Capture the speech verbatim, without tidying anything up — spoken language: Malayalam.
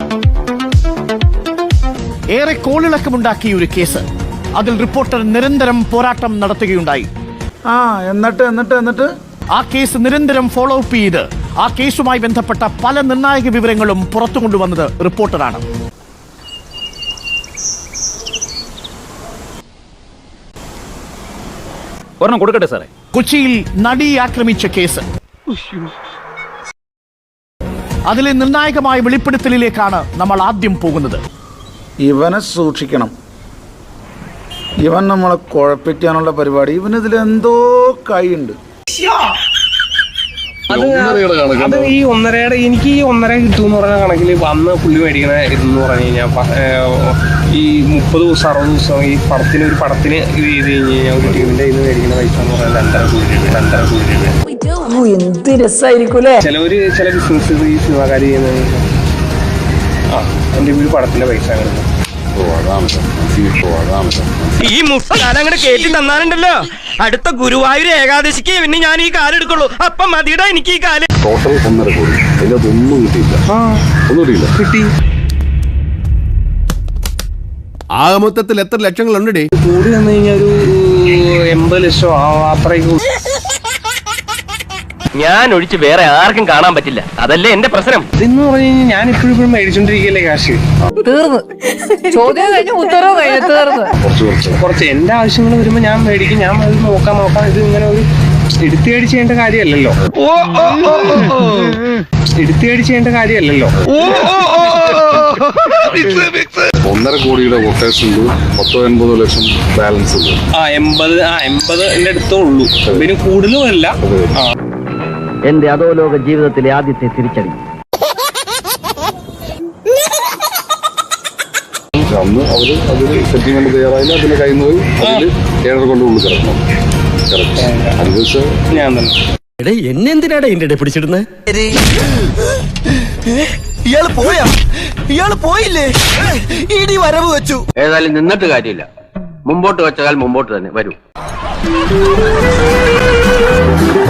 ഏറെ കോളിളക്കമുണ്ടാക്കിയ ഒരു കേസ്. അതിൽ റിപ്പോർട്ടർ നിരന്തരം പോരാട്ടം നടത്തുകയുണ്ടായി. ആ എന്നിട്ട് എന്നിട്ട് എന്നിട്ട് ആ കേസ് നിരന്തരം ഫോളോ അപ്പ് ചെയ്ത് ആ കേസുമായി ബന്ധപ്പെട്ട പല നിർണായക വിവരങ്ങളും പുറത്തു കൊണ്ടുവന്നത് റിപ്പോർട്ടറാണ്. ഒരെണ്ണം കൊടുക്കട്ടെ സാറേ. കൊച്ചിയിൽ നടിയെ ആക്രമിച്ച കേസ്. അതിലെ നിർണായകമായ വെളിപ്പെടുത്തലിലേക്കാണ് നമ്മൾ ആദ്യം പോകുന്നത്. ഇവനെ സൂക്ഷിക്കണം. ഇവൻ നമ്മളെ കുഴപ്പിക്കാനുള്ള പരിപാടി. ഇവനിതിലെന്തോ കൈയുണ്ട്. അത് അത് ഈ ഒന്നരയുടെ എനിക്ക് ഈ ഒന്നര കിട്ടുമെന്ന് പറഞ്ഞ കണക്കിൽ അന്ന് പുള്ളി മേടിക്കണ ഇതെന്ന് പറഞ്ഞു കഴിഞ്ഞാൽ ഈ മുപ്പത് ദിവസം അറുപത് ദിവസം ഈ പടത്തിന് ഒരു പടത്തിന് ഇത് ചെയ്ത് കഴിഞ്ഞ് കഴിഞ്ഞാൽ ഒരു ടീമിന്റെ ഇത് മേടിക്കുന്ന പൈസ എന്ന് പറഞ്ഞാൽ രണ്ടര കോടി രൂപ രണ്ടര കോടി രൂപ. എന്ത് രസമായിരിക്കൂലേ. ചിലവര് ചില ബിസിനസ് ഈ സിനിമാക്കാർ ചെയ്യുന്നത് ആ എന്റെ ഒരു പടത്തിന്റെ പൈസ അങ്ങനെ ഈ മുട്ടങ്ങനെ കേട്ടി തന്നാലുണ്ടല്ലോ അടുത്ത ഗുരുവായൂർ ഏകാദശിക്ക് പിന്നെ ഞാൻ ഈ കാലെടുക്കുള്ളൂ. അപ്പം മതിയുടെ എനിക്ക് ഈ കാല്. ടോട്ടൽ ഒന്നര കോടി. അതിനകത്തൊന്നും കിട്ടിയില്ല. ഒന്നും കിട്ടിയില്ല. കിട്ടി. ആകെ മൊത്തത്തിൽ എത്ര ലക്ഷങ്ങളുണ്ട്? കൂടി വന്നു കഴിഞ്ഞാൽ ഒരു എൺപത് ലക്ഷം അത്രയ്ക്ക്. ഞാൻ ഒഴിച്ച് വേറെ ആർക്കും കാണാൻ പറ്റില്ല. അതല്ലേ എന്റെ പ്രശ്നം. ഇതെന്ന് പറഞ്ഞു കഴിഞ്ഞാൽ ഞാൻ ഇപ്പോഴും ഇപ്പോഴും മേടിച്ചോണ്ടിരിക്കല്ലേ കാശ്. തീർന്ന് ചോദ്യം കഴിഞ്ഞു ഉത്തരവ് കഴിഞ്ഞു തീർന്ന്. കുറച്ച് എന്റെ ആവശ്യങ്ങൾ വരുമ്പോ ഞാൻ മേടിക്കും. ഞാൻ അത് നോക്കാൻ നോക്കാം. ഇത് ഇങ്ങനെ ഒരു എടുത്തേടി ചെയ്യേണ്ട കാര്യമല്ലല്ലോ. എടുത്തേടി ചെയ്യേണ്ട കാര്യമല്ലല്ലോ. ഒന്നര കോടിയുടെ കൊട്ടേഷൻ ഉണ്ട്. പത്തോ എൺപതോ ലക്ഷം ബാലൻസ് ഉണ്ട്. ആ എൺപത് ആ എൺപത് എന്റെ അടുത്തേ ഉള്ളൂ. പിന്നെ കൂടുതലുമല്ല. എന്റെ അധോലോക ജീവിതത്തിലെ ആദ്യത്തെ തിരിച്ചടി. അന്ന് അവര് അതിന് സെറ്റിൽമെന്റ് തയ്യാറായില്ല. അതിന് കയ്യിൽ നിന്ന് പോയി അതില് ഏഴര കൊണ്ട് ഉള്ളിൽ കിടക്കണം. അനുഭവിച്ച ഞാൻ തന്നെ. എന്നെന്തിനാടാ എന്റെ പിടിച്ചിടുന്നത്? ഇയാള് പോയാ ഇയാള് പോയില്ലേ? ഇടി വരവ് വെച്ചു. ഏതായാലും നിന്നിട്ട് കാര്യമില്ല. മുമ്പോട്ട് വെച്ചാൽ മുമ്പോട്ട് തന്നെ വരൂ.